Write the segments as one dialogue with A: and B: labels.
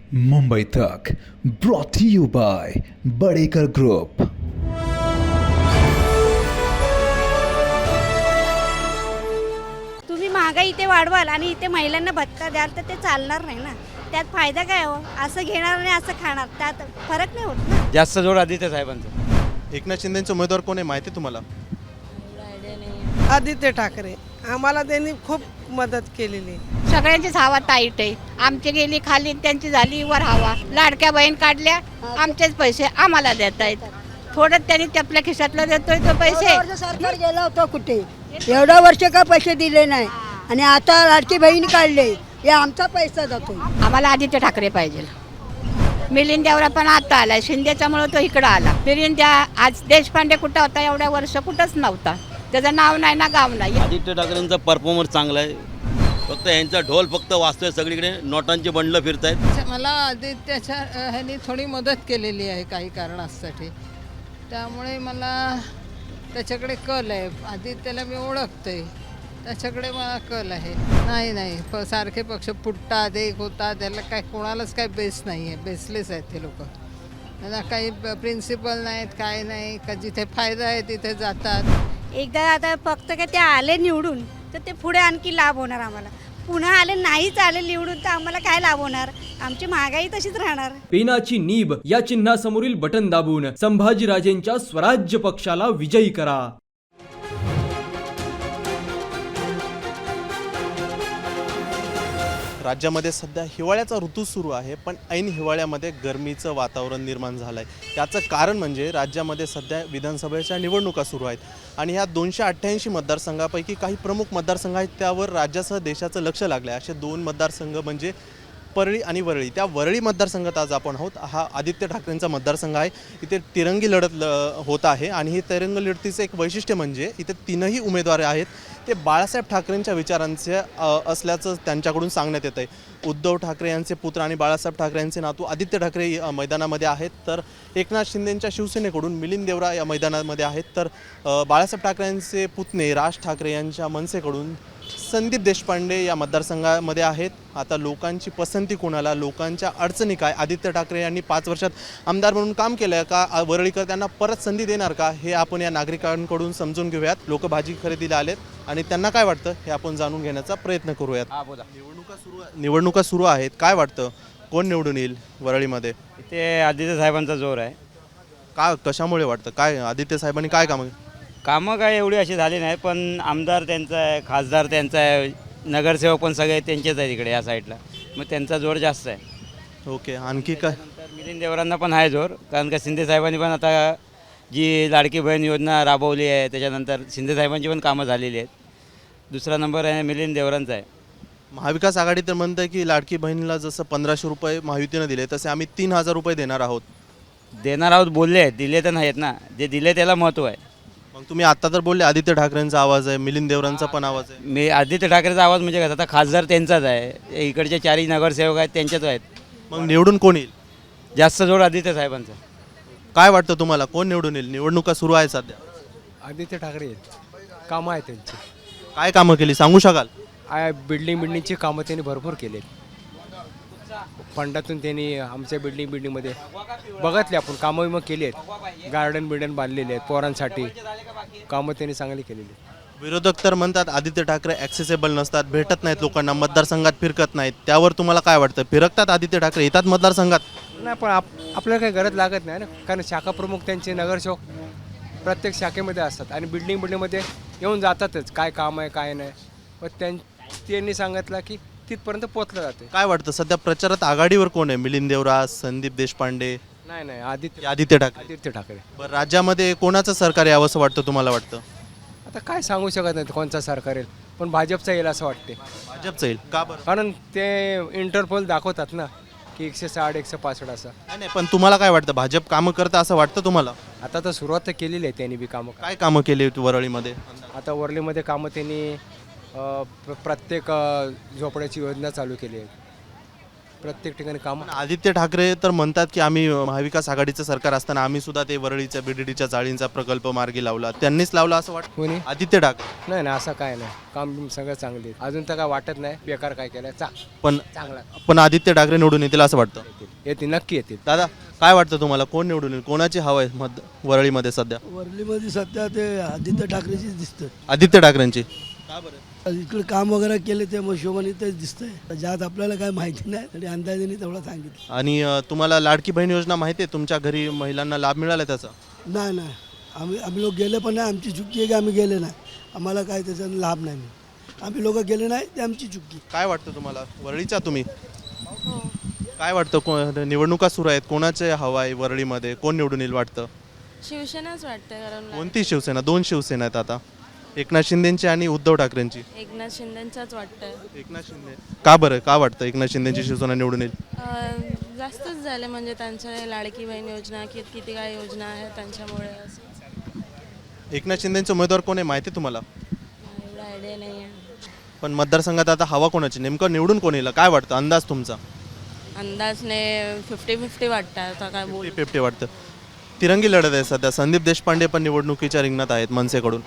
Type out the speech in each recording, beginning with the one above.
A: मुंबई तक brought you by Badekar group.
B: तुम्ही महागाई इथे वाढवाल आणि इथे महिलांना भत्ता द्याल तर ते चालणार नाही ना. त्यात फायदा काय हो? असं घेणार आणि असं खाणार, त्यात फरक नाही होत ना.
C: जास्त जोर आदित्य साहेबांचा.
D: एकनाथ शिंदेचे उमेदवार कोण आहे माहिती आहे तुम्हाला?
E: आदित्य ठाकरे. आम्हाला त्यांनी खूप मदत केलेली आहे.
F: सगळ्यांचीच हवा टाईट आहे. आमची गेली खाली, त्यांची झाली वर हवा. लाडक्या बहीण काढल्या, आमचेच पैसे आम्हाला देत आहेत. थोडं त्यांनी आपल्या खिशातलं देतोय तो पैसे.
G: सरकार गेला होता कुठे? एवढा वर्ष का पैसे दिले नाही आणि आता लाडकी बहीण काढले, हे आमचा पैसा जातो.
F: आम्हाला आदित्य ठाकरे पाहिजे. मिलिंद देवरा पण आता आलाय, शिंदेच्यामुळे तो इकडं आला. मिलिंद आज देशपांडे कुठं होता एवढ्या वर्ष? कुठंच नव्हता. त्याचं नाव नाही ना गाव नाही.
C: आदित्य ठाकरेंचा परफॉर्मन्स चांगला आहे. फक्त यांचा ढोल फक्त वाजतोय सगळीकडे, नोटांची बंडलं फिरतायत.
E: मला आदित्यच्या ह्यांनी थोडी मदत केलेली आहे काही कारणासाठी, त्यामुळे मला त्याच्याकडे कल आहे. आदित्यला मी ओळखते, त्याच्याकडे मला कल आहे. नाही सारखे पक्ष फुटतात, एक होतात, त्याला काय कोणालाच काय बेस नाही आहे. बेसलेस आहेत ते लोक. त्यांना काही प्रिन्सिपल नाहीत, काय नाही. का जिथे फायदा आहे तिथे जातात.
B: एकदा आता फक्त काय ते आले निवडून तर ते पुढे आणखी लाभ होणार आम्हाला. पुन्हा आले नाहीच आले निवडून तर आम्हाला काय लाभ होणार? आमची महागाई तशीच राहणार.
H: पेनाची नीब या चिन्हासमोरील बटन दाबून संभाजीराजेंच्या स्वराज्य पक्षाला विजयी करा.
D: राज्यामध्ये सध्या हिवाळ्याचा ऋतू सुरू आहे, पण ऐन हिवाळ्यामध्ये गरमीचं वातावरण निर्माण झालं आहे. याचं कारण म्हणजे राज्यामध्ये सध्या विधानसभेच्या निवडणुका सुरू आहेत आणि ह्या 288 मतदारसंघापैकी काही प्रमुख मतदारसंघ आहेत, त्यावर राज्यासह देशाचं लक्ष लागलं आहे. असे दोन मतदारसंघ म्हणजे परळी आणि वरळी. त्या वरळी मतदारसंघात आज आपण आहोत. हा आदित्य ठाकरेंचा मतदारसंघ आहे. इथे तिरंगी लढत होत आहे आणि ही तिरंगी लढतीचं एक वैशिष्ट्य म्हणजे इथे तीनही उमेदवार आहेत ते बाळासाहेब ठाकरेंच्या विचारांचे असल्याचं त्यांच्याकडून सांगण्यात येतं आहे. उद्धव ठाकरे यांचे पुत्र आणि बाळासाहेब ठाकरे यांचे नातू आदित्य ठाकरे मैदानामध्ये आहेत, तर एकनाथ शिंदेंच्या शिवसेनेकडून मिलिंद देवरा या मैदानामध्ये आहेत, तर बाळासाहेब ठाकरे यांचे पुतणे राज ठाकरे यांच्या मनसेकडून संदीप देशपांडे या मतदारसंघामध्ये आहेत. आता लोकांची पसंती कोणाला, लोकांच्या अडचणी काय, आदित्य ठाकरे यांनी 5 वर्षात आमदार म्हणून काम केलं आहे का, वरळीकर त्यांना परत संधी देणार का, हे आपण या नागरिकांकडून समजून घेऊयात. लोक भाजी खरेदीला आलेत आणि त्यांना काय वाटतं हे आपण जाणून घेण्याचा प्रयत्न करूयात. निवडणुका सुरू आहेत, काय वाटतं कोण निवडून येईल वरळीमध्ये?
C: इथे आदित्य साहेबांचा जोर आहे.
D: का, कशामुळे वाटतं? काय आदित्य साहेबांनी काय
C: कामं काय एवढी अशी झाली नाही, पण आमदार त्यांचा आहे, खासदार त्यांचा आहे, नगरसेवक पण सगळे त्यांचेच आहे तिकडे या साईडला, मग त्यांचा जोर जास्त आहे.
D: ओके, आणखी काय?
C: तर मिलिंद देवरांना पण आहे जोर, कारण का शिंदे साहेबांनी पण आता जी लाडकी बहीण योजना राबवली आहे, त्याच्यानंतर शिंदे साहेबांची पण कामं झालेली आहेत. दुसरा नंबर आहे मिलिंद देवरांचा आहे.
D: महाविकास आघाडी तर म्हणतं आहे की लाडकी बहिणीला जसं 1500 रुपये महायुतीनं दिले तसे आम्ही 3000 रुपये देणार आहोत.
C: देणार आहोत बोलले आहेत, दिले तर नाहीत ना. जे दिले त्याला महत्त्व आहे.
D: मग तुम्ही आत्ता तर बोलले आदित्य ठाकरेंचा आवाज आहे, मिलिंद देवरांचा पण आवाज आहे.
C: मी आदित्य ठाकरेचा आवाज म्हणजे कसं, आता खासदार त्यांचाच आहे, इकडचे 4 नगरसेवक आहेत त्यांच्याच आहेत.
D: मग निवडून कोण येईल?
C: जास्त जोर आदित्य साहेबांचा.
D: काय वाटतं तुम्हाला कोण निवडून येईल? निवडणुका सुरू आहे सध्या.
I: आदित्य ठाकरे आहेत. कामं आहेत त्यांची.
D: काय कामं केली सांगू शकाल?
I: बिल्डिंगची कामं त्यांनी भरपूर केली. फंडातून त्यांनी आमच्या बिल्डिंगमध्ये बघितले आपण कामं मग केली आहेत. गार्डन बांधलेले आहेत पोरांसाठी. कामं त्यांनी चांगली केलेली आहेत.
D: विरोधक तर म्हणतात आदित्य ठाकरे ॲक्सेसेबल नसतात, भेटत नाहीत लोकांना, मतदारसंघात फिरकत नाहीत. त्यावर तुम्हाला काय वाटतं? फिरकतात आदित्य ठाकरे, येतात मतदारसंघात?
I: नाही, पण आपल्याला काही गरज लागत नाही ना, कारण शाखा प्रमुख त्यांचे नगरसेवक प्रत्येक शाखेमध्ये असतात आणि बिल्डिंगमध्ये येऊन जातातच. काय काम आहे काय नाही, पण त्यांनी सांगितलं की तिथपर्यंत पोचलं जाते.
D: काय वाटतं सध्या प्रचारात आघाडीवर कोण आहे? मिलिंद देवरा, संदीप देशपांडे?
I: नाही
D: आदित्य ठाकरे. बरं, राज्यामध्ये कोणाचं सरकार यावं असं वाटतं तुम्हाला? वाटतं
I: आता काय सांगू शकत नाही कोणचा सरकार येईल, पण भाजपचा येईल असं वाटते.
D: भाजपचं येईल का बरं?
I: कारण ते इंटरपोल दाखवतात ना की 160 165 असं.
D: नाही, पण तुम्हाला काय वाटतं भाजप कामं करतं असं वाटतं तुम्हाला?
I: आता तर सुरुवात तर केलेली आहे त्यांनी बी कामं.
D: काय कामं केली वरळीमध्ये?
I: आता वरलीमध्ये कामं त्यांनी प्रत्येक झोपड्याची योजना चालू केली आहे. प्रत्येक ठिकाणी कामं.
D: आदित्य ठाकरे तर म्हणतात की आम्ही महाविकास आघाडीचं सरकार असताना आम्ही सुद्धा ते वरळीच्या बीडीडीच्या चाळींचा प्रकल्प मार्गी लावला. त्यांनीच लावला असं वाटतं?
I: कोणी?
D: आदित्य ठाकरे.
I: नाही असं काय नाही. काम सगळं चांगले. अजून तर काय वाटत नाही बेकार काय केलं.
D: पण
I: चांगला
D: आदित्य ठाकरे निवडून येतील असं वाटतं?
I: येतील, नक्की येतील.
D: दादा काय वाटतं तुम्हाला, कोण निवडून येईल, कोणाची हवा आहे वरळीमध्ये सध्या?
J: वरलीमध्ये सध्या ते आदित्य ठाकरेचीच दिसतं.
D: आदित्य ठाकरेंची. का बरं?
J: इकडे काम वगैरे केले त्या हिशोबाने तेच दिसतंय. ज्यात आपल्याला काय माहिती नाही तरी अंदाजाने तेवढं सांगितलं.
D: आणि तुम्हाला लाडकी बहीण योजना माहिती आहे? तुमच्या घरी महिलांना लाभ मिळाला त्याचा?
J: नाही आम्ही लोक गेले पण नाही. आमची चुकी आहे की आम्ही गेले नाही. आम्हाला काय त्याचा लाभ नाही. आम्ही लोक गेले नाही ते आमची चुकी.
D: काय वाटतं तुम्हाला, वरळीचा तुम्ही काय वाटतं, निवडणुका सुरू आहेत, कोणाचे हवा आहे वरळीमध्ये, कोण निवडून येईल वाटतं?
K: शिवसेनाच वाटतं. कारण
D: कोणती शिवसेना? दोन शिवसेना आहेत आता, एकनाथ शिंदेची आणि उद्धव ठाकरेंची.
K: एकनाथ शिंदेचाच वाटतं.
D: एकनाथ शिंदे. का बरं, का वाटतं एकनाथ शिंदेची शिवसेना निवडून येईल?
K: जास्तच झाले म्हणजे त्यांच्या लाडकी बहीण योजना किती काय योजना आहे त्यांच्यामुळे असं.
D: एकनाथ शिंदेचे उमेदवार कोण आहे माहिती आहे तुम्हाला?
K: एवढा आयडिया नाही आहे.
D: पण मतदारसंघात आता हवा कोणाची, नेमकं निवडून कोण येईल काय वाटतं, अंदाज तुमचा?
K: अंदाजने 50-50 वाटतं. आता काय बोल
D: 50-50 वाटतं. तिरंगी लढत आहे सध्या. संदीप देशपांडे पण निवडणुकीच्या रिंगणात आहेत मनसेकडून.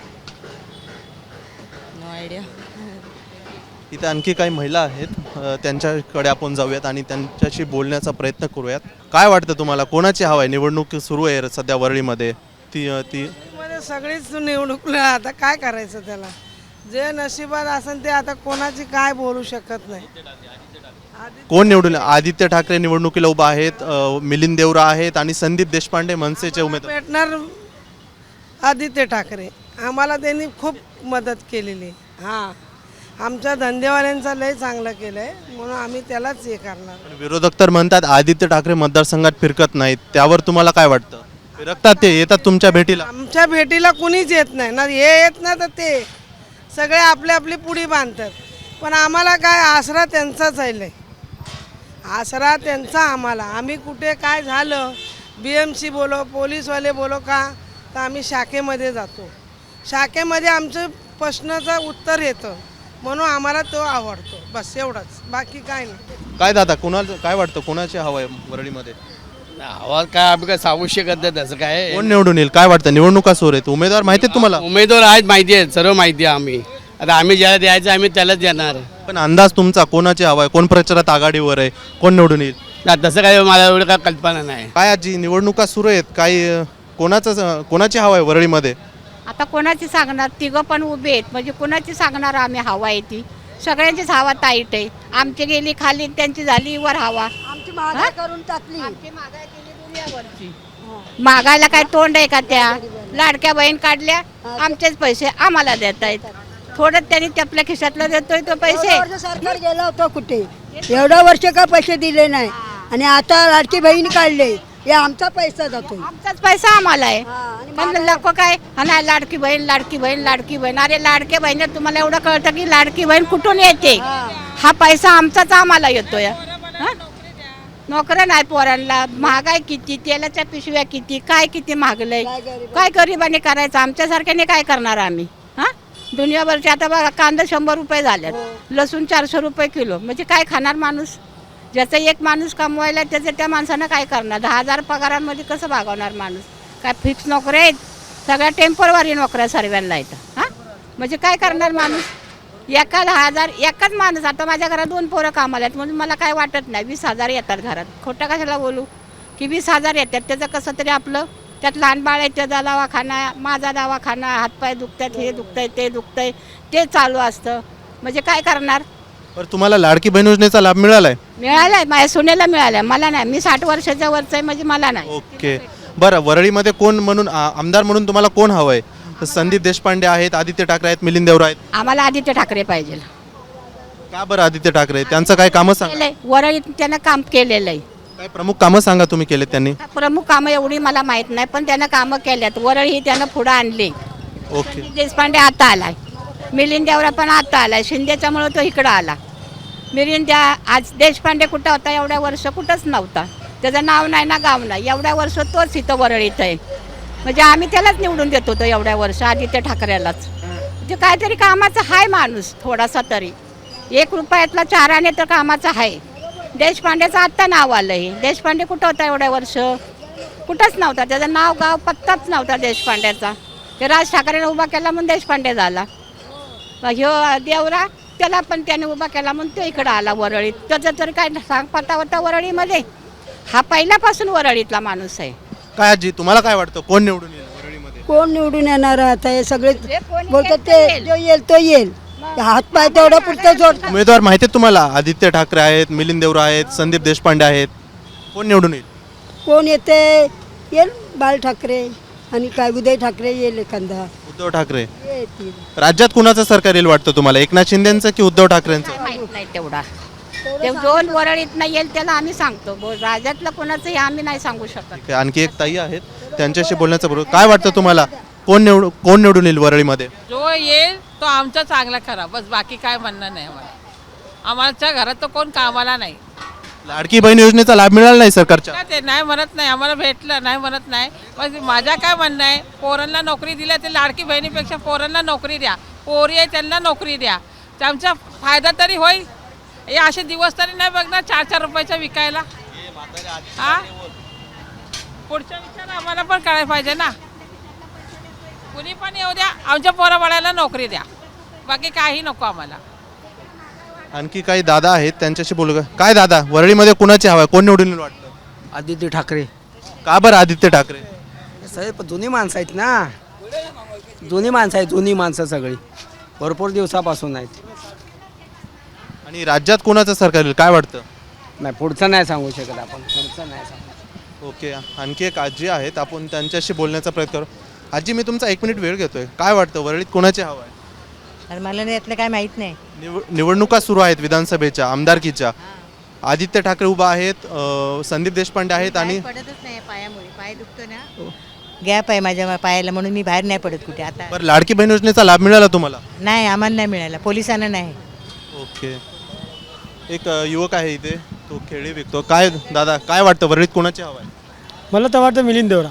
K: No idea.
D: इथे आणखी काही महिला आहेत, त्यांच्याकडे आपण जाऊयात आणि त्यांच्याशी बोलण्याचा प्रयत्न करूयात. काय वाटतं तुम्हाला, कोणाची हवा आहे? निवडणूक सुरू आहे सध्या वरळीमध्ये. ती
E: सगळीच निवडणूकला आता काय करायचं, त्याला जे नशिबात असेल ते. आता कोणाची काय बोलू शकत नाही.
D: कोण निवडून? आदित्य ठाकरे निवडणुकीला उभा आहेत, मिलिंद देवरा आहेत आणि संदीप देशपांडे मनसेचे उमेदवार.
E: भेटणार आदित्य ठाकरे. आम्हाला त्यांनी खूप मदत केलेली. हां, आमच्या धंदेवाल्यांचा लय चांगलं केलं आहे म्हणून आम्ही त्यालाच हे करणार.
D: विरोधक तर म्हणतात आदित्य ठाकरे मतदारसंघात फिरकत नाहीत, त्यावर तुम्हाला काय वाटतं? फिरकतात, ते येतात तुमच्या भेटीला?
E: आमच्या भेटीला कुणीच येत नाही ना. हे येत ना तर ते सगळे आपली आपली पुडी बांधतात. पण आम्हाला काय आसरा त्यांचाच आहे. आसरा त्यांचा आम्हाला. आम्ही कुठे काय झालं, BMC बोलो, पोलीसवाले बोलो का, तर आम्ही शाखेमध्ये जातो. शाखेमध्ये आमचं प्रश्नाचं उत्तर येतं म्हणून आम्हाला तो आवडतो. बस एवढंच, बाकी काय नाही.
D: काय दादा, कोणाला काय वाटतं, कोणाची हवा आहे वरळीमध्ये?
L: आवाज काय आम्ही काय सांगू शकत नाही त्याचं काय.
D: कोण निवडून येईल काय वाटतं? निवडणुका सुरू आहेत, उमेदवार माहिती आहेत तुम्हाला?
L: उमेदवार आहेत, माहिती आहेत, सर्व माहिती आहे. आम्ही आता आम्ही ज्याला द्यायचं आम्ही त्यालाच देणार.
D: पण अंदाज तुमचा, कोणाची हवा आहे, कोण प्रचारात आघाडीवर आहे, कोण निवडून येईल?
L: तसं काय मला एवढं काय कल्पना नाही.
D: काय आजी, निवडणुका सुरू आहेत, काही कोणाची हवा आहे वरळीमध्ये?
F: आता कोणाची सांगणार, तिघं पण उभे आहेत म्हणजे कोणाची सांगणार आम्ही हवा आहे ती. सगळ्यांचीच हवा ताईट आहे. आमची गेली खाली, त्यांची झाली वर हवा.
G: आमची महागाई करून टाकली.
F: मागायला काय तोंड आहे का? त्या लाडक्या बहीण काढल्या, आमचेच पैसे आम्हाला देत आहेत. थोडं त्यांनी आपल्या खिशातलं देतोय तो पैसे.
G: सरकार गेला होता कुठे, एवढा वर्ष का पैसे दिले नाही आणि आता लाडकी बहीण काढले, हे आमचा पैसा जातो.
F: आमचाच पैसा आम्हाला आहे. पण लोक काय, हा नाही लाडकी बहीण लाडकी बहीण लाडकी बहीण. अरे लाडक्या बहिणी तुम्हाला एवढं कळतं की लाडकी बहीण कुठून येते? हा पैसा आमचाच आम्हाला येतोय. नोकऱ्या नाही पोरांना, महागाई किती, तेलाच्या पिशव्या किती, काय किती महागलंय. काय गरिबाने करायचं, आमच्यासारख्याने काय करणार आम्ही? हां, दुनियाभरचे आता बघा कांदा 100 रुपये झाल्यात, लसूण 400 रुपये किलो. म्हणजे काय खाणार माणूस? ज्याचा एक माणूस कमवायला त्याचं त्या माणसानं काय करणार? 10,000 पगारांमध्ये कसं भागवणार माणूस? काय फिक्स नोकऱ्या आहेत? सगळ्या टेम्पररी नोकऱ्या सर्वांना येतं. हां, म्हणजे काय करणार माणूस? एका 10,000, एकाच माणूस. आता माझ्या घरात 2 पोरं कामाला आहेत म्हणून मला काय वाटत नाही. 20,000 येतात घरात. खोटं कशाला बोलू की 20,000 येतात. त्याचं कसं तरी आपलं, त्यात लहान बाळ आहे, त्याचा दवाखाना, माझा दवाखाना, हातपाय दुखतात, हे दुखतंय ते दुखतंय, ते चालू असतं. म्हणजे काय करणार?
D: बरं, तुम्हाला लाडकी बहीण योजनेचा लाभ मिळालाय?
F: मिळालाय, माझ्या सुनेला मिळालाय, मला नाही. मी 60 वर्षाच्या वरचं आहे म्हणजे मला नाही.
D: ओके. बरं, वरळीमध्ये कोण म्हणून आमदार म्हणून तुम्हाला कोण हवं आहे? संदीप देशपांडे आहेत, आदित्य ठाकरे आहेत, मिलिंद देवरा आहेत.
F: आम्हाला आदित्य ठाकरे पाहिजे.
D: का बरं आदित्य ठाकरे? त्यांचं काय कामं सांगा.
F: वरळीत त्यानं काम केलेलं आहे.
D: काय प्रमुख कामं सांगा तुम्ही केलेत त्यांनी?
F: प्रमुख कामं एवढी मला माहीत नाही पण त्यानं कामं केल्यात. वरळी ही त्यानं पुढं आणली.
D: ओके.
F: देशपांडे आता आलाय, मिलिंद देवरा पण आता आलाय. शिंदेच्यामुळे तो इकडं आला. मिलिंद आज देशपांडे कुठं होता एवढ्या वर्ष? कुठंच नव्हता. त्याचं नाव नाही ना गाव नाही. एवढ्या वर्ष तोच इथं वरळीत आहे. म्हणजे आम्ही त्यालाच निवडून देत होतो एवढ्या वर्ष, आदित्य ठाकरेलाच. ते काहीतरी कामाचा आहे माणूस थोडासा तरी. 1 रुपयातला 4 आणे तर कामाचा आहे. देशपांडेचं आत्ता नाव आलं आहे. देशपांडे कुठं होता एवढ्या वर्ष? कुठंच नव्हता. त्याचं नाव गाव पत्ताच नव्हता देशपांड्याचा. ते राज ठाकरेने उभा केला म्हणून देशपांडे झाला. ह्यो देवरा त्याला पण त्याने उभा केला म्हणून तो इकडं आला वरळीत. त्याचं तरी काय सांग पत्ता होता वरळीमध्ये? हा पहिल्यापासून वरळीतला माणूस आहे.
D: काय आजी तुम्हाला काय वाटतं कोण निवडून येईल वरळीमध्ये?
G: कोण निवडून येणार आता हे सगळे
F: जे कोणी
G: बोलतात
F: येईल
G: ते
F: ते येईल.
G: जो येईल तो येईल. हातपाय तेवढा पुरतं जोड.
D: उमेदवार माहिती आहेत तुम्हाला? आदित्य ठाकरे आहेत, मिलिंद देवरा आहेत, संदीप देशपांडे आहेत. कोण निवडून येईल?
G: कोण येते येईल बाळ ठाकरे आणि काय उदय ठाकरे येईल एखादा
D: उद्धव ठाकरे.
G: येतील.
D: राज्यात कुणाचं सरकार येईल वाटतं तुम्हाला? एकनाथ शिंदेचं की उद्धव ठाकरेंचं?
F: माहित नाही तेवढा. ते दोन वरळीत नाही येईल त्याला आम्ही सांगतो. राज्यातलं कोणाचं हे आम्ही नाही सांगू शकत.
D: ठीक आहे, आणखी एक ताई आहेत त्यांच्याशी बोलण्याचा बरोबर. काय वाटतं तुम्हाला कोण निवडून येईल वरळीमध्ये?
E: जो येईल तो आमचा चांगला खरा, बस बाकी काय म्हणणं नाही आम्हाला. आमच्या घरात तर कोण कामाला नाही.
D: लाडकी बहीण योजनेचा लाभ मिळाला नाही सरकारच्या?
E: काय ते नाही म्हणत नाही, आम्हाला भेटलं नाही म्हणत नाही. बस माझ्या काय म्हणणं आहे, पोरांना नोकरी दिल्या ते लाडकी बहिणीपेक्षा पोरांना नोकरी द्या. पोरी आहे त्यांना नोकरी द्या, त्यांचा फायदा तरी होईल. हे असे दिवस तरी नाही बघणार 4-4 रुपयाचा विकायला. हा पुढचा विचार आम्हाला पण करायला पाहिजे ना. कुणी पण येऊ द्या, आमच्या पोराबाळाला नोकरी द्या, बाकी काही नको आम्हाला.
D: आणखी काही दादा आहेत त्यांच्याशी बोलू का? काय दादा वरळीमध्ये कुणाची हवा आहे? कोण निवडून येईल वाटतं?
L: आदित्य ठाकरे.
D: का बरं आदित्य ठाकरे?
L: साहेब जुनी माणसं आहेत ना, जुनी माणसं आहेत, जुनी माणसं सगळी भरपूर दिवसापासून आहेत.
D: आणि राज्यात कुणाचं सरकार येईल काय वाटतं?
L: नाही पुढचं नाही सांगू शकत आपण, पुढचं नाही सांगू.
D: ओके, आणखी एक आजी आहेत, आपण त्यांच्याशी बोलण्याचा प्रयत्न करू. आजी मी तुमचा 1 मिनिट वेळ घेतोय. काय वाटतं वरळीत कोणाची हवा आहे?
F: आणि मला यातलं काय माहित नाही.
D: निवडणुका सुरू आहेत विधानसभेच्या आमदारकीच्या. आदित्य ठाकरे उभा आहेत, संदीप देशपांडे आहेत आणि
F: पडतच नाही पायामुळे, पाय दुखतो ना, गॅप आहे माझ्या पायाला, म्हणून मी बाहेर नाही पडत कुठे आता.
D: बरं लाडकी बहीण योजनेचा लाभ मिळाला तुम्हाला?
F: नाही आम्हाला नाही मिळाला, पोलिसांना नाही.
D: ओके, एक युवक आहे इथे, तो खेळी विकतो. काय दादा काय वाटतं वरळीत कोणाची हवा आहे?
J: मला तर वाटतं मिलिंद देवरा.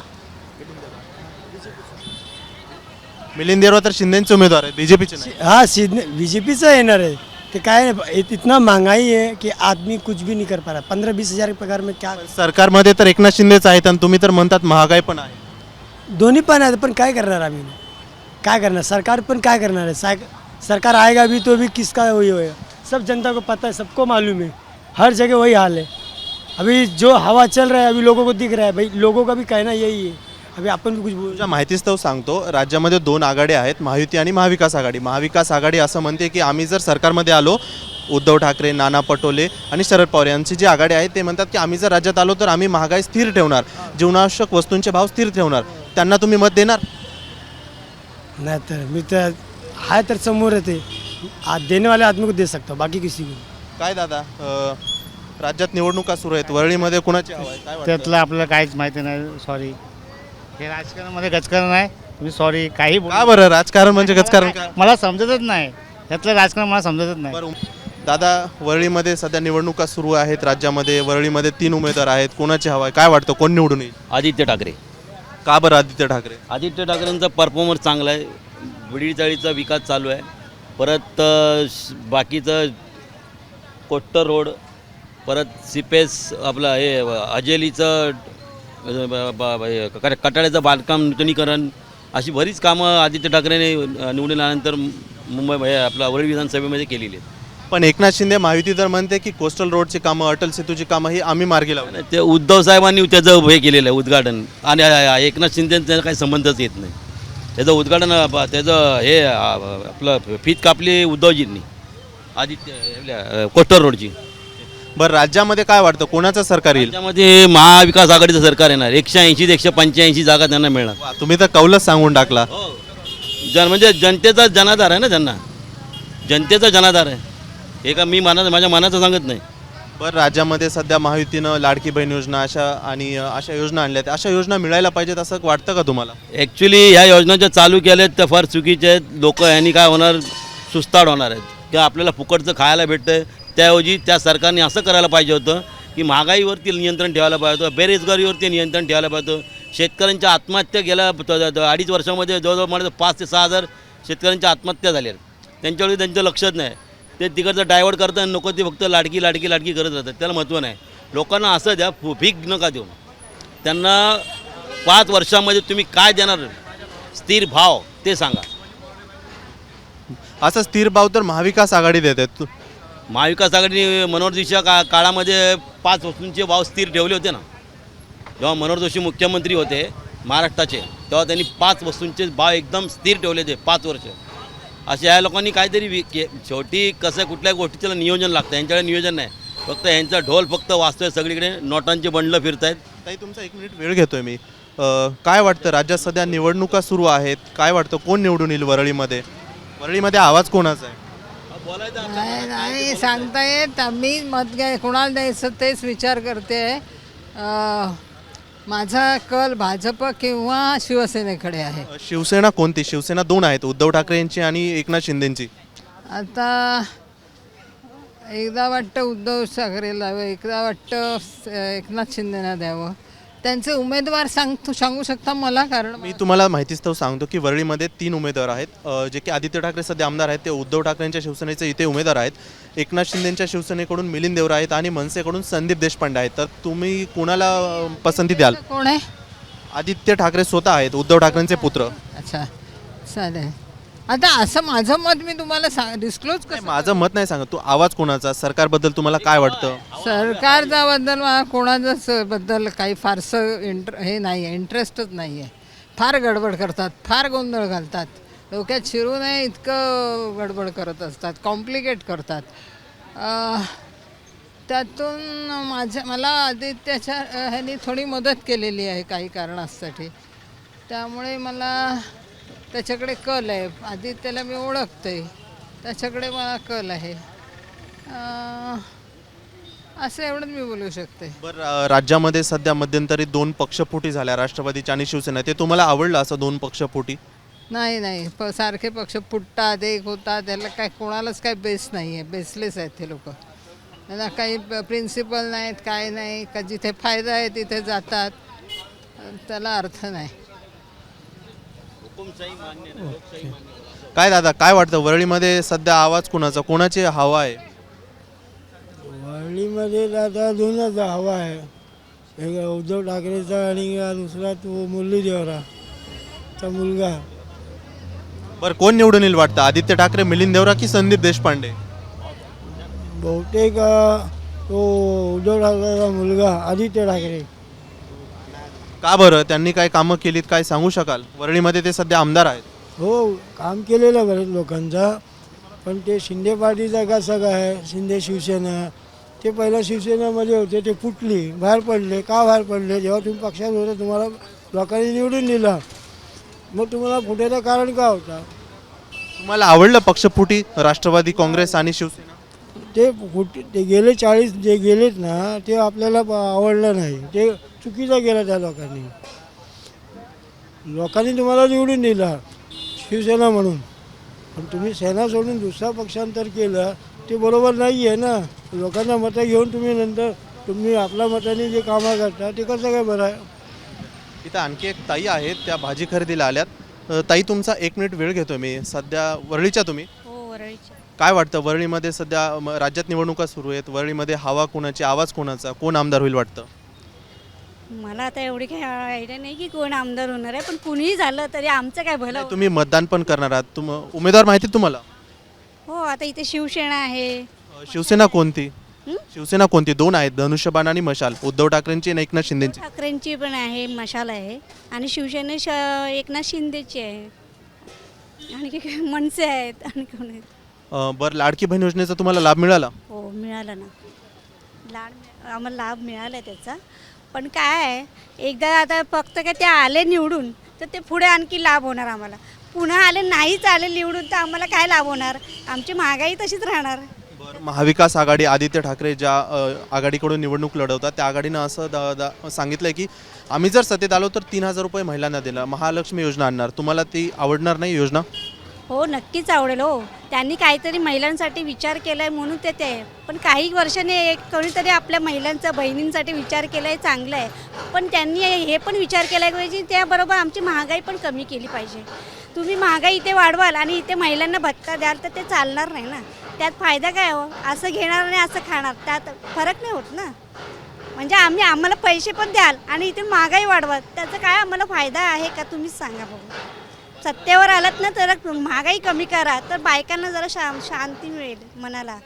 D: मिलिंद देवरा तर शिंदेचे उमेदवार आहेत, बीजेपीचे नाही.
J: हाँ बीजेपीचं येणार आहे ते. काय इतना महंगाई है कि आदमी कुछ भी नहीं कर पा रहा. 15-20 हज़ार पगार में क्या?
D: सरकारमध्ये तर एकनाथ शिंदेच आहेत आणि तुम्ही तर म्हणतात महागाई पण आहे.
J: दोन्ही पण आहे, पण काय करणार आम्ही? काय करणार? सरकार पण काय करणार है? सरकार आएगा भी तो भी किसका वही होएगा. सब जनता को पता है, सबको मालूम है, हर जगह वही हाल है. अभी जो हवा चल रहा है अभी लोगों को दिख रहा है. भाई लोगों का भी कहना यही है. अभी आपण भी कुछ बोल.
D: तुझ्या माहितीस्तव सांगतो, राज्यामध्ये 2 आघाड्या आहेत, महायुती आणि महाविकास आघाडी. महाविकास आघाडी असं म्हणते की आम्ही जर सरकारमध्ये आलो, उद्धव ठाकरे, नाना पटोले आणि शरद पवार यांची जी आघाडी आहे ते म्हणतात की आम्ही जर राज्यात आलो तर आम्ही महागाई स्थिर ठेवणार, जीवनावश्यक वस्तूंचे भाव स्थिर ठेवणार. त्यांना तुम्ही मत देणार?
J: नहीं तर मी तर आहे तर समोर येते. देने वाले आदमी को दे सकता, बाकी किसी को.
D: काय दादा राज्यात निवडणुका सुरू आहेत, वरळीमध्ये कुणाची हवा आहे काय वाटतं?
M: त्यातलं आपल्याला काहीच माहिती नाही, सॉरी. हे राजकारणामध्ये गजकारण आहे, तुम्ही सॉरी काही
D: का बरं राजकारण म्हणजे गजकारण का?
M: मला समजतच नाही, त्यातलं राजकारण मला समजतच नाही.
D: बरं दादा वरळीमध्ये सध्या निवडणुका सुरू आहेत राज्यामध्ये. वरळीमध्ये 3 उमेदवार आहेत, कोणाची हवा आहे काय वाटतं कोण निवडून येईल?
C: आदित्य ठाकरे.
D: का बरं आदित्य ठाकरे?
C: आदित्य ठाकरेंचा परफॉर्मन्स चांगला आहे, वडीलचाळीचा विकास चालू आहे. परत बाकीचं कोट्टर रोड, परत सिपेस आपलं हे अजेलीचं कटाड्याचं बांधकाम नूतनीकरण, अशी बरीच कामं आदित्य ठाकरेने निवडून आल्यानंतर मुंबई आपला वरळी विधानसभेमध्ये केलेली आहेत.
D: पण एकनाथ शिंदे महायुती तर म्हणते की कोस्टल रोडची कामं, अटल सेतूची कामं ही आम्ही मार्गी लावली.
C: ते उद्धव साहेबांनी त्याचं हे केलेलं आहे उद्घाटन, आणि एकनाथ शिंदेचं त्याचा काही संबंधच येत नाही. त्याचं उद्घाटन त्याचं हे आपलं फीत कापली उद्धवजींनी आदित्य कोस्टल रोडची.
D: बरं राज्यामध्ये काय वाटतं कोणाचं सरकार येईल?
C: त्यामध्ये महाविकास आघाडीचं सरकार येणार. 180 ते 185 जागा त्यांना मिळणार.
D: वा, तुम्ही तर कौलच सांगून टाकला.
C: म्हणजे जनतेचा जनाधार आहे ना, त्यांना जनतेचा जनाधार आहे. हे का मी माझ्या मनाचं सांगत नाही.
D: बरं राज्यामध्ये सध्या महायुतीनं लाडकी बहीण योजना अशा योजना आणल्या आहेत, अशा योजना मिळायला पाहिजेत असं वाटतं का तुम्हाला?
C: ॲक्च्युली ह्या योजना ज्या चालू केल्या आहेत त्या फार चुकीच्या आहेत. लोक ह्यांनी काय होणार, सुस्ताड होणार आहेत किंवा आपल्याला फुकटचं खायला भेटतं आहे. त्याऐवजी त्या सरकारने असं करायला पाहिजे होतं की महागाईवरती नियंत्रण ठेवायला पाहिजे होतं, बेरोजगारीवरती नियंत्रण ठेवायला पाहिजे होतं. शेतकऱ्यांच्या आत्महत्या गेल्या 2.5 वर्षामध्ये जवळजवळ मला 5 ते 6 हजार शेतकऱ्यांच्या आत्महत्या झाल्या आहेत. त्यांच्यावेळी त्यांचं लक्षच नाही. ते तिकडचं डायवर्ट करतात, नको ते फक्त लाडकी लाडकी लाडकी करत राहतात. त्याला महत्त्व नाही. लोकांना असं द्या, भीक नका देऊ त्यांना. 5 वर्षामध्ये तुम्ही काय देणार स्थिर भाव ते सांगा.
D: असा स्थिर भाव तर महाविकास आघाडी देत आहेत.
C: महाविकास आघाडीने मनोहर जोशीच्या काळामध्ये 5 वस्तूंचे भाव स्थिर ठेवले होते ना. जेव्हा मनोहर जोशी मुख्यमंत्री होते महाराष्ट्राचे तेव्हा त्यांनी 5 वस्तूंचे भाव एकदम स्थिर ठेवले होते 5 वर्ष. असे या लोकांनी काहीतरी शेवटी कसं कुठल्या गोष्टीचं नियोजन लागतं, यांच्याकडे नियोजन नाही. फक्त यांचा ढोल फक्त वाजतोय सगळीकडे, नोटांचे बंडलं फिरत आहेत.
D: ताई तुमचा 1 मिनिट वेळ घेतोय मी. काय वाटतं, राज्यात सध्या निवडणुका सुरू आहेत, काय वाटतं कोण निवडून येईल वरळीमध्ये? वरळीमध्ये आवाज कोणाचा आहे?
E: नाही सांगता येत. मी मत कोणाला द्यायचं तेच विचार करते. माझा कल भाजप किंवा शिवसेनेकडे आहे.
D: शिवसेना कोणती? शिवसेना 2 आहेत, उद्धव ठाकरे यांची आणि एकनाथ शिंदेंची.
E: आता एकदा वाटतं उद्धव ठाकरेला द्यावं, एकदा वाटतं एकनाथ शिंदेना द्यावं. त्यांचे उमेदवार सांगू शकता मला? कारण
D: मी तुम्हाला माहितीस्तव सांगतो की वरळीमध्ये 3 उमेदवार आहेत. जे की आदित्य ठाकरे सध्या आमदार आहेत, ते उद्धव ठाकरेंच्या शिवसेनेचे इथे उमेदवार आहेत. एकनाथ शिंदेंच्या शिवसेनेकडून मिलिंद देवरा आहेत आणि मनसेकडून संदीप देशपांडे आहेत. तर तुम्ही कोणाला पसंती द्याल?
E: कोण आहे?
D: आदित्य ठाकरे स्वतः आहेत, उद्धव ठाकरेंचे पुत्र.
E: अच्छा चालेल. आता असं माझं मत मी तुम्हाला डिस्क्लोज
D: नाही, माझं मत नाही सांगत. तू आवाज कोणाचा, सरकारबद्दल तुम्हाला काय वाटतं?
E: सरकारच्या बद्दल मला कोणाच्याच बद्दल काही फारसं हे नाही आहे, इंटरेस्टच नाही आहे. फार गडबड करतात, फार गोंधळ घालतात, डोक्यात शिरू नये इतकं गडबड करत असतात, कॉम्प्लिकेट करतात. त्यातून मला आदित्याच्या ह्यानी थोडी मदत केलेली आहे काही कारणासाठी, त्यामुळे मला त्याच्याकडे कल आहे. आदित्याला मी ओळखते, त्याच्याकडे मला कल आहे. असं एवढंच मी बोलू शकते.
D: बरं, राज्यामध्ये सध्या मध्यंतरी 2 पक्षफुटी झाल्या, राष्ट्रवादीची आणि शिवसेना. ते तुम्हाला आवडलं असं 2 पक्षफुटी?
E: नाही सारखे पक्ष फुटतात, एक होतात, त्याला काय कोणालाच काय बेस नाही आहे. बेसलेस आहेत ते लोक. त्यांना काही प्रिन्सिपल नाहीत, काय नाही. का जिथे फायदा आहे तिथे जातात, त्याला अर्थ नाही.
D: काय दादा, काय वाटतं वरळीमध्ये सध्या आवाज कोणाचा, कोणाची हवा आहे?
J: वरळीमध्ये दादा 2च हवा आहे. एक उद्धव ठाकरेचा आणि दुसरा तो मुरली देवराचा मुलगा.
D: बरं, कोण निवडून येईल वाटतं? आदित्य ठाकरे, मिलिंद देवरा की संदीप देशपांडे?
J: बहुतेक तो उद्धव ठाकरेचा मुलगा आदित्य ठाकरे.
D: का बरं, त्यांनी काय कामं केलीत, काय सांगू शकाल? वरळीमध्ये ते सध्या आमदार आहेत.
J: हो, काम केलेलं बरेच लोकांचा. पण ते शिंदे पार्टीचा कसा काय, शिंदे शिवसेना, ते पहिला शिवसेनेमध्ये होते, ते फुटली, बाहेर पडले. का बाहेर पडले? जेव्हा तुम्ही पक्षात होते तुम्हाला लोकांनी निवडून दिला, मग तुम्हाला फुटायचं कारण का होता?
D: तुम्हाला आवडलं पक्षफुटी राष्ट्रवादी काँग्रेस आणि शिवसेना?
J: ते गेले 40 जे गेलेत ना, ते आपल्याला आवडलं नाही. ते चुकीचं केलं त्या लोकांनी. लोकांनी तुम्हाला निवडून दिला शिवसेना म्हणून, पण तुम्ही सेना सोडून दुसरा पक्षांतर केलं, ते बरोबर नाही आहे ना. लोकांना मतं घेऊन तुम्ही आपल्या मताने जे कामं करता ते कसं काय बरं आहे?
D: इथं आणखी एक ताई आहेत, त्या भाजी खरेदीला आल्यात. ताई तुमचा 1 मिनिट वेळ घेतो मी. सध्या वरळीच्या तुम्ही?
B: हो वरळीच्या.
D: काय वाटतं वरळीमध्ये सध्या राज्यात निवडणुका सुरू आहेत, वरळीमध्ये हवा कोणाची, आवाज कोणाचा, कोण आमदार होईल वाटतं?
B: मला आता एवढी काही आयडिया नाही की कोण आमदार होणार आहे, पण कुणीही झालं तरी आमचं काय भलं.
D: तुम्ही मतदान पण करणार आहात, उमेदवार माहिती आहेत तुम्हाला?
B: हो, आता इथे शिवसेना आहे.
D: शिवसेना कोणती? शिवसेना कोणती? 2 आहेत, धनुष्यबाण आणि मशाल. उद्धव ठाकरेंची आणि एकनाथ शिंदेची.
B: ठाकरेंची पण आहे, मशाल आहे, आणि शिवसेने एकनाथ शिंदेची आहे, आणि मनसे आहेत, आणि कोण आहेत.
D: बरं, लाडकी बहीण योजनेचा तुम्हाला लाभ मिळाला?
B: हो मिळाला ना, आम्हाला लाभ मिळाला आहे त्याचा. पण काय आहे, एकदा आता फक्त काय ते आले निवडून तर ते पुढे आणखी लाभ होणार आम्हाला. पुन्हा आले नाहीच आले निवडून तर आम्हाला काय लाभ होणार? आमची महागाई तशीच राहणार.
D: बरं, महाविकास आघाडी, आदित्य ठाकरे ज्या आघाडीकडून निवडणूक लढवतात त्या आघाडीनं असं सांगितलं आहे की आम्ही जर सत्तेत आलो तर 3000 रुपये महिलांना दिला, महालक्ष्मी योजना आणणार. तुम्हाला ती आवडणार नाही योजना?
B: हो नक्कीच आवडेल. हो, त्यांनी काहीतरी महिलांसाठी विचार केला आहे म्हणून ते आहे. पण काही वर्षांनी कोणीतरी आपल्या महिलांचा, बहिणींसाठी विचार केला आहे, चांगलं आहे. पण त्यांनी हे पण विचार केला पाहिजे, त्याबरोबर आमची महागाई पण कमी केली पाहिजे. तुम्ही महागाई इथे वाढवाल आणि इथे महिलांना भत्ता द्याल तर ते चालणार नाही ना. त्यात फायदा काय हो? असं घेणार आणि असं खाणार, त्यात फरक नाही होत ना. म्हणजे आम्हाला पैसे पण द्याल आणि इथे महागाई वाढवाल, त्याचा काय आम्हाला फायदा आहे का? तुम्हीच सांगा बघू. सत्तेवर आलात ना तर महागाई कमी करा, तर बायकांना जरा शांती मिळेल मनाला.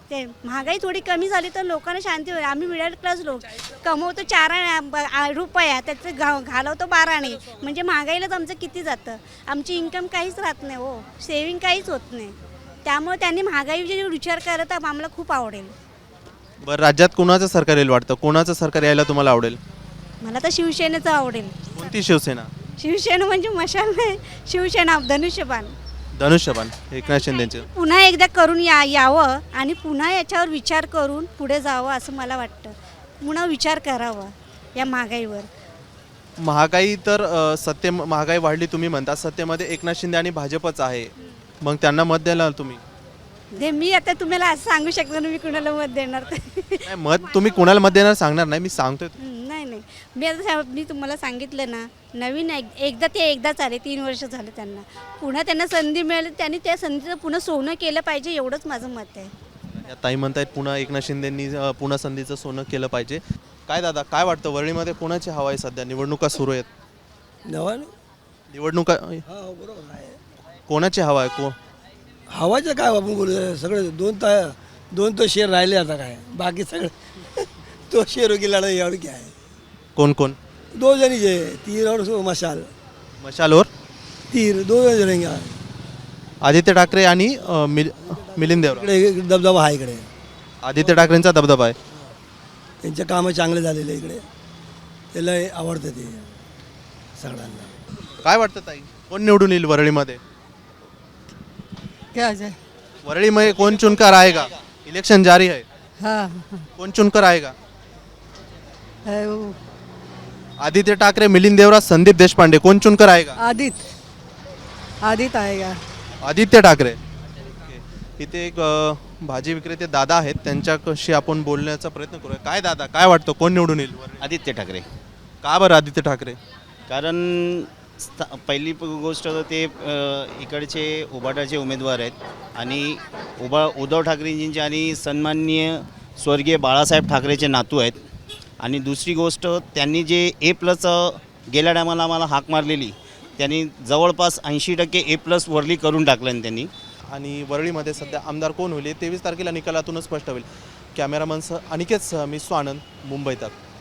B: ते महागाई थोडी कमी झाली तर लोकांना शांती होईल. आम्ही मिडल क्लास लोक कमवतो 4 रुपया, त्याचं घालवतो 12 म्हणजे महागाईलाच आमचं किती जातं. आमची इन्कम काहीच राहत नाही हो, सेविंग काहीच होत नाही. त्यामुळे त्यांनी महागाईचे विचार करत आम्हाला खूप आवडेल.
D: बरं, राज्यात कोणाचं सरकार येईल वाटतं? कोणाचं सरकार यायला तुम्हाला आवडेल?
B: मला तर शिवसेनेचं आवडेल.
D: कोणती शिवसेना?
B: शिवसेना म्हणजे मशाल नाही, शिवसेना धनुष्यबाण.
D: धनुष्यबाण एकनाथ शिंदेचे.
B: पुन्हा एकदा करून यावं आणि पुन्हा याच्यावर विचार करून पुढे जावं असं मला वाटतं. पुन्हा विचार करावा या महागाईवर.
D: महागाई तर महागाई वाढली तुम्ही म्हणता, सत्तेमध्ये एकनाथ शिंदे आणि भाजपच आहे, मग त्यांना मत द्यायला तुम्ही?
B: मी आता तुम्हाला असं सांगू शकतो ना मी कुणाला मत देणार.
D: नाही, मत तुम्ही कोणाला मत देणार सांगणार नाही, मी सांगतोय.
B: नाही मी तुम्हाला सांगितलं ना, नवीन एकदाच आले, 3 वर्ष झाले त्यांना. पुन्हा त्यांना संधी मिळाली, त्यांनी त्या संधीचं पुन्हा सोनं केलं पाहिजे, एवढंच माझं मत आहे.
D: या ताई म्हणतायत पुन्हा एकनाथ शिंदेंनी पुन्हा संधीचं सोनं केलं पाहिजे. काय दादा, काय वाटतं वरळीमध्ये कोणाची हवा आहे सध्या? निवडणुका सुरू आहेत. निवडणुका कोणाची हवा आहे?
J: हवाचं काय आपण बोलू, सगळे दोन तो शेर राहिले आता काय, बाकी सगळे तो शेरों की लड़ाई और क्या है.
D: कोण कोण?
J: 2 जनी जे तीर और मशाल.
D: मशाल और
J: तीर 2 जण रहेंगे.
D: आदित्य ठाकरे आणि मिलिंद देवरा.
J: इकडे दबदबा आहे, इकडे
D: आदित्य ठाकरेंचा दबदबा आहे.
J: त्यांचे कामं चांगले झालेले इकडे, त्याला आवडतं ते सगळ्यांना.
D: काय वाटतं ताई, कोण निवडून येईल वरळीमध्ये?
E: क्या जाए.
D: वरळी में कौन चुनकर आएगा? इलेक्शन जारी है.
E: हाँ
D: कौन चुनकर आएगा?
E: है वो
D: आदित्य ठाकरे, मिलिंद देवरा, संदीप देशपांडे, कौन चुनकर आएगा?
E: आदित्य आएगा.
D: आदित्य ठाकरे. इथे एक भाजी विक्रेते दादा आहेत, त्यांच्याशी आपण बोलण्याचा प्रयत्न करूया. काय दादा, काय वाटतं कोण निवडून येईल?
C: आदित्य ठाकरे.
D: का बरं आदित्य ठाकरे?
C: कारण पहिली गोष्ट ते इकडचे उभाटाचे उमेदवार आहेत आणि उद्धव ठाकरेंचे आणि सन्माननीय स्वर्गीय बाळासाहेब ठाकरेचे नातू आहेत. आणि दुसरी गोष्ट, त्यांनी जे A+ गेल्या टायमाला आम्हाला हाक मारलेली, त्यांनी जवळपास 80% A+ वरली करून टाकलं त्यांनी.
D: आणि वरळीमध्ये सध्या आमदार कोण होईल 23 तारखेला निकालातूनच स्पष्ट होईल. कॅमेरामनसह अनिकेतसह मी स्वानंद, मुंबई तक.